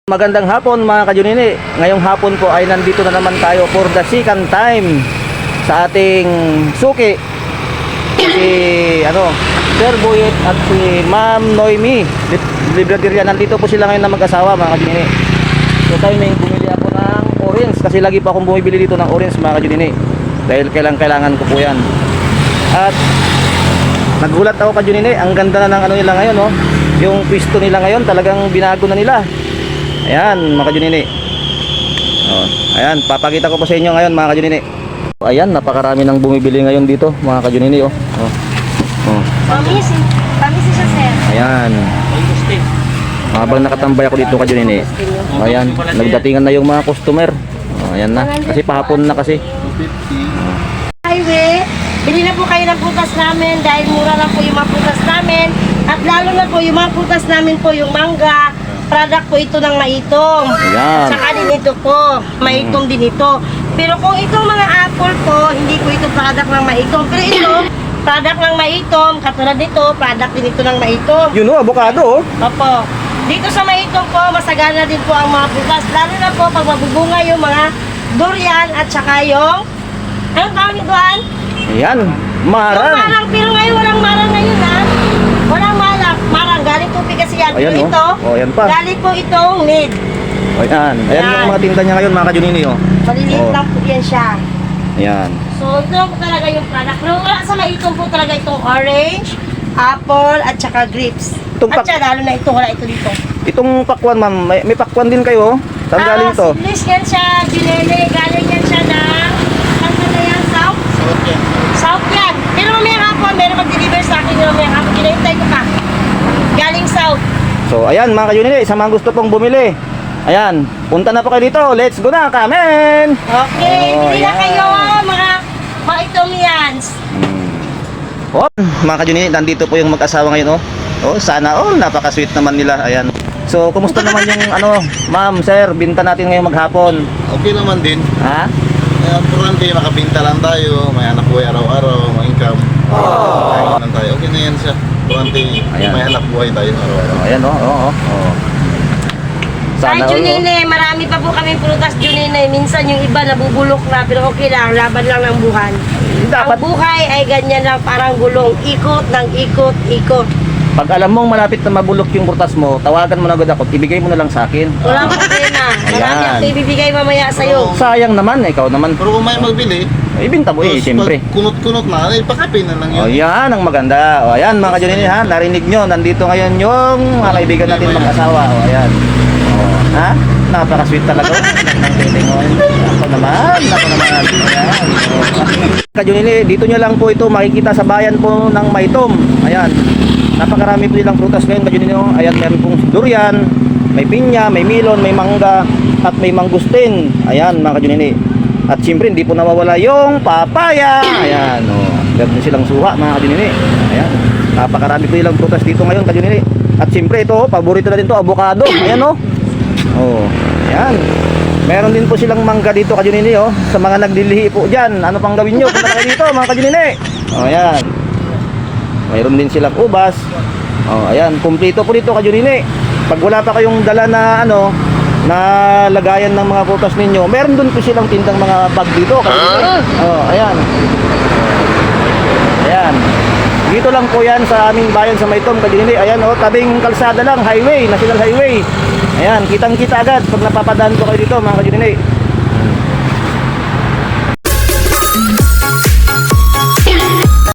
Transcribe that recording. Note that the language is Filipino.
Magandang hapon mga kajunini. Ngayong hapon po ay nandito na naman tayo for the second time sa ating suki. Si Sir Boyet at si Ma'am Noemi Libraderia. Nandito po sila ngayon na mag-asawa mga kajunini. So tayo may bumili ako ng orange kasi lagi pa akong bumibili dito ng orange mga kajunini. Dahil kailangan ko po yan. At nagulat ako kajunini, ang ganda na ng nila ngayon, oh. Yung pwesto nila ngayon talagang binago na nila. Ayan mga kajunini. Ayan, papakita ko po sa inyo ngayon mga kajunini. Ayan, napakarami nang bumibili ngayon dito mga kajunini. Pamisi siya, sir. Ayan. Habang nakatambay ako dito kajunini. Ayan, nagdatingan na yung mga customer. Ayan na, kasi pahapon na kasi. Highway, bili na po kayo ng putas namin dahil mura lang po yung mga putas namin. At lalo na po yung mga putas namin po yung mangga. Product po ito ng Maitong. Ayan. Saka din ito po, Maitong din ito. Pero kung itong mga apple po, hindi po ito product ng Maitong. Pero ito, product ng Maitong. Katulad nito, product din ito ng Maitong. Yun o, avocado. Opo. Dito sa Maitong po, masagana din po ang mga bukas. Lalo na po pag mabubunga yung mga durian at saka yung... Anong tawag nito, An? Ayan, Yung marang. marang. Pero ngayon, walang marang ngayon, ha? Walang marang. Marang. Galing po kasi yan. Ayan, Pero oh. ito, Oh, ayan pa. galing po itong mid. Ayan, ayan yung mga tinda niya ngayon mga kajunini. Maliliit Oh. lang po yan siya. Ayan. So, ito lang po talaga yung product. Pero wala sa Maitong po talaga itong orange, apple, at saka grapes. Itong At saka lalo na ito, wala ito dito. Itong pakwan ma'am, may pakwan din kayo. Saan galing to? English yan siya, Ginele. Galing yan siya ng, saan na yan, South? South yan. Pero mamayang hapon, meron mag-deliver sa akin yung mamayang hapon. Kinahintay ko pa. Galing South. So ayan mga kajunini, sa mga gusto pong bumili. Ayan, punta na po kayo dito. Let's go na, kamen! Okay, Oh, bili na yan. kayo, mga Maitomians. Oh, mga kajunini, nandito po yung mag-asawa ngayon, oh. Oh, sana all, napaka-sweet naman nila. Ayan. So, kumusta naman yung ma'am, sir, binta natin ngayong maghapon? Okay naman din. Ha? Importante, makabinta lang tayo. May anak buhay araw-araw, may income. Kaya lang tayo. Okay na yan siya. Importante, Ayan. may anak buhay tayo araw-araw. Oh, ayan, oh. Ay, all, oh. Junine, marami pa po kami prutas, Junine. Minsan yung iba nabubulok na, pero okay lang, laban lang ng buhay. Dapat, Ang buhay ay ganyan lang, parang gulong. Ikot ng ikot, ikot. pag alam mong malapit na mabulok yung burtas mo, tawagan mo na agad ako, ibigay mo na lang sa akin. Walang problema. Marami Ayan. ako ibibigay mamaya sa'yo. Sayang naman, ikaw naman. Pero kung may magbili, Ibinta mo tapos siyempre. pag kunot-kunot na, ay pakapin na lang O yun. yan ang maganda. O ayan mga kajunini ha, narinig nyo, nandito ngayon yung mga kaibigan natin mag-asawa. O ayan. O, ha? Napaka-sweet talaga. Ang feeling o. Ako naman. Ayan. O. Kajunini, dito nyo lang po ito makikita sa bayan po ng Maitom. Ayan. Napakarami po nilang prutas ngayon kajunini. O. Ayan, meron pong durian, may pinya, may melon, may mangga, at may mangustin. Ayan mga kajunini. At siyempre hindi po nawawala yung papaya. Ayan, meron din silang suha mga kajunini. Ayan, napakarami po nilang prutas dito ngayon kajunini. At siyempre ito, paborito na din to, avocado. Ayan ayan. Meron din po silang mangga dito kajunini sa mga nagdilihi po dyan. Ano pang gawin nyo? Punta na kayo dito mga kajunini. Ayan. Meron din silang ubas. Ayan, kumpleto po dito kajunini. Pag wala pa kayong dala na na lagayan ng mga prutas ninyo, meron dun po silang tindang mga bag dito. Ayan. Ayan. Dito lang po yan sa aming bayan sa Maitom, Kajunini. Ayan tabing kalsada lang, highway, national highway. Ayan, kitang kita agad pag napapadaan po kayo dito mga Kajunini.